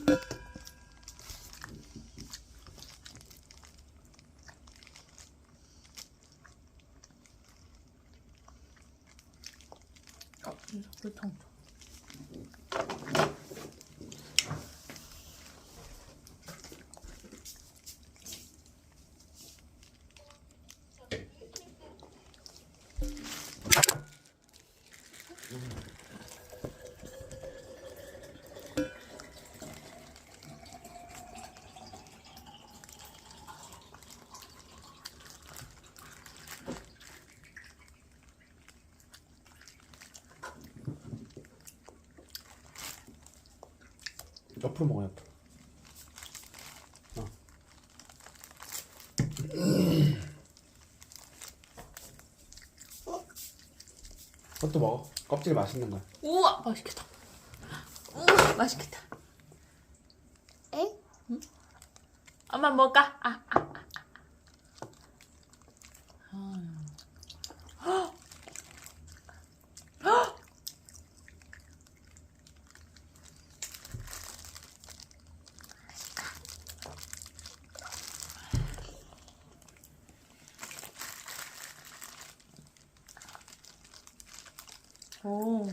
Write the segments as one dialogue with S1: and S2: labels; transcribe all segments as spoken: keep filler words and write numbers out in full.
S1: 어, 이거 불통.
S2: 옆으로 먹어, 옆으로. 어. 그것도 먹어. 껍질 맛있는 거야.
S1: 우와, 맛있겠다. 우와, 맛있겠다.
S3: 응?
S1: 응? 엄마 먹을까? 아, 아, 아. 아. 헉! 오.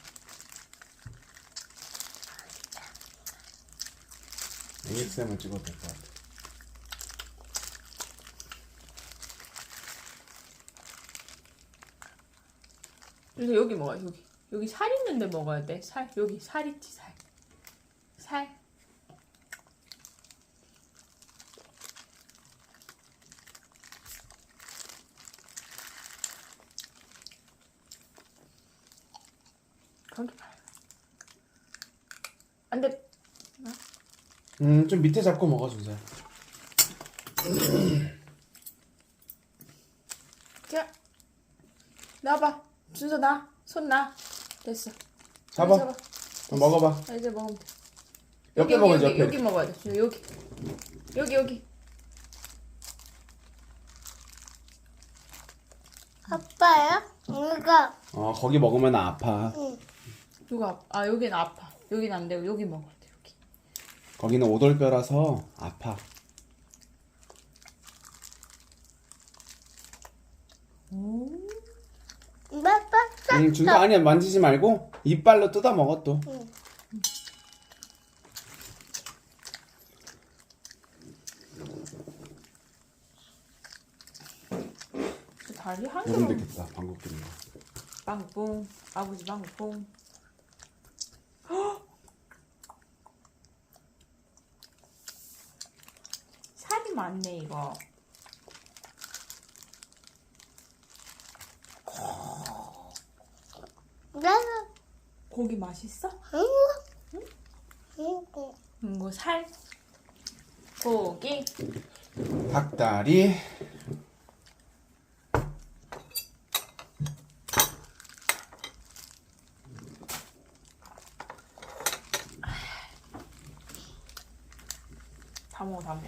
S2: 에이에스엠을 찍어도 될 것 같아.
S1: 그래서 여기 먹어, 여기. 여기 살 있는데 먹어야 돼. 살. 여기 살 있지, 살. 살. 거기 봐요. 안 돼.
S2: 음, 좀 밑에 잡고 먹어, 준서야.
S1: 자, 나와봐. 준서 나. 손 나. 됐어.
S2: 잡아.
S1: 잡아.
S2: 어, 먹어봐.
S1: 자, 이제 먹으면 돼.
S2: 옆에
S1: 여기,
S2: 먹어야지,
S1: 여기,
S2: 옆에.
S1: 여기 먹어야 돼. 준서, 여기. 여기, 여기.
S3: 아빠야? 이거.
S2: 어, 거기 먹으면 아파.
S3: 응.
S1: 누가 아파? 아, 여기는 아파. 여기는 안 되고, 여기 먹어야 돼, 여기.
S2: 거기는 오돌뼈라서 아파.
S1: 오.
S3: 아빠
S2: 응, 준서 아니야, 만지지 말고 이빨로 뜯어 먹어 또.
S3: 응.
S1: 다리 한
S2: 요금
S1: 개만.
S2: 되겠다, 방귀 뀌는 거.
S1: 방구뽕. 아버지 방구뽕. 살이 많네, 이거.
S3: 나는
S1: 고기 맛있어?
S3: 이거. 이거.
S1: 이거 살. 고기.
S2: 닭다리.
S1: 다 먹어, 다 먹어.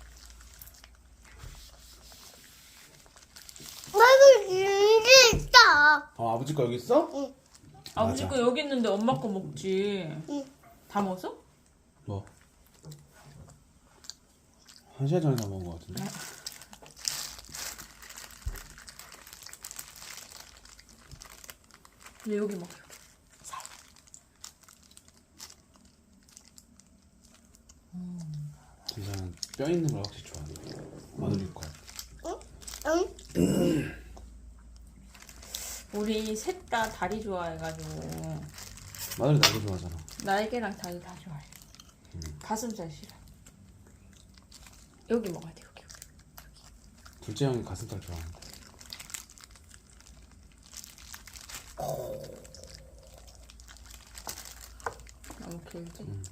S3: 나도 이게 있다.
S2: 어, 아버지 거 여기 있어?
S3: 응.
S1: 아버지
S2: 맞아.
S1: 거 여기 있는데 엄마 거 먹지.
S3: 응.
S1: 다 먹었어?
S2: 뭐? 한 시간 전에 다 먹은 거 같은데?
S1: 근데 여기 먹어. 살.
S2: 준서는 뼈 있는 걸 확실히 좋아하네. 마늘일 거.
S3: 응?
S2: 음.
S1: 우리 셋 다 다리 좋아해가지고
S2: 마늘이 나도 좋아하잖아.
S1: 날개랑 다리 다 좋아해.
S2: 음.
S1: 가슴살 싫어. 여기 먹어야 돼, 여기.
S2: 둘째 형이 가슴살 좋아하는데.
S1: 너무 길지?
S2: 음.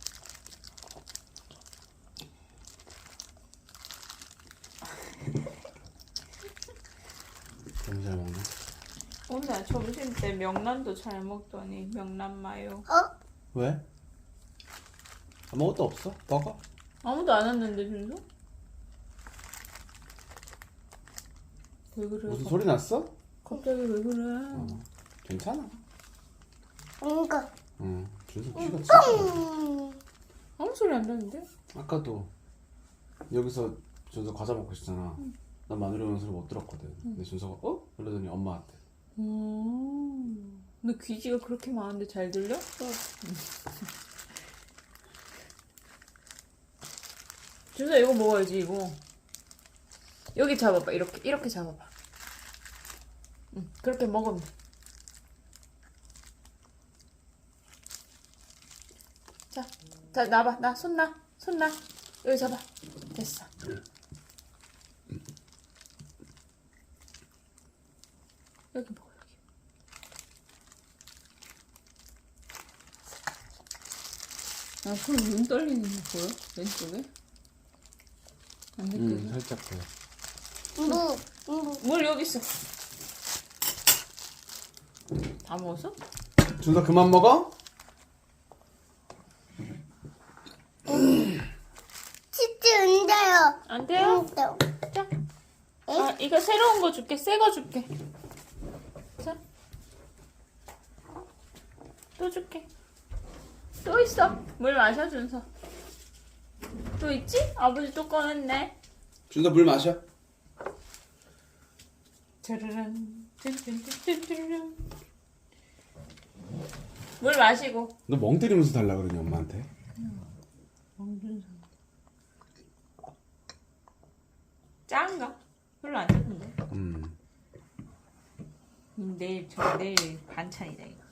S2: 너무 잘 먹네.
S1: 오늘 점심 때 명란도 잘 먹더니 명란 마요.
S3: 어?
S2: 왜? 아무것도 없어? 먹어?
S1: 아무도 안 왔는데 준서? 왜 그래?
S2: 무슨 소리 났어?
S1: 갑자기 왜 그래?
S2: 어, 괜찮아.
S3: 이거.
S2: 응. 준수 키가 진짜.
S3: 응.
S1: 어머, 아무 소리 안 나는데?
S2: 아까도 여기서 준서 과자 먹고 있었잖아. 난 마누리 오는 소리 못 들었거든. 근데 준서가 어? 이러더니 엄마한테.
S1: 음. 근데 귀지가 그렇게 많은데 잘 들려? 준서 이거 먹어야지 이거. 여기 잡아봐. 이렇게 이렇게 잡아봐. 응, 그렇게 먹으면 돼. 자, 자 놔봐. 나 손 놔. 손 놔. 여기 잡아. 됐어. 여기 먹어 여기. 아, 그럼 눈 떨리는 거 보여? 왼쪽에? 안 느껴져?
S2: 응, 살짝 보여.
S3: 무, 무.
S1: 물 여기 있어. 다 먹었어?
S2: 준서 그만 먹어?
S3: 치즈 은데요.
S1: 안 돼요?
S3: 은데요.
S1: 자. 아, 이거 새로운 거 줄게. 새 거 줄게. 자. 또 줄게. 또 있어. 물 마셔, 준서. 또 있지? 아버지 또 꺼냈네.
S2: 준서 물 마셔.
S1: 짜르란. 짠짠짠짠짠. 물 마시고.
S2: 너 멍 때리면서 달라 그러니 엄마한테.
S1: 멍준서. 짠가? 별로 안 짰는데.
S2: 음.
S1: 음, 내일 저 내일 반찬이다 이거.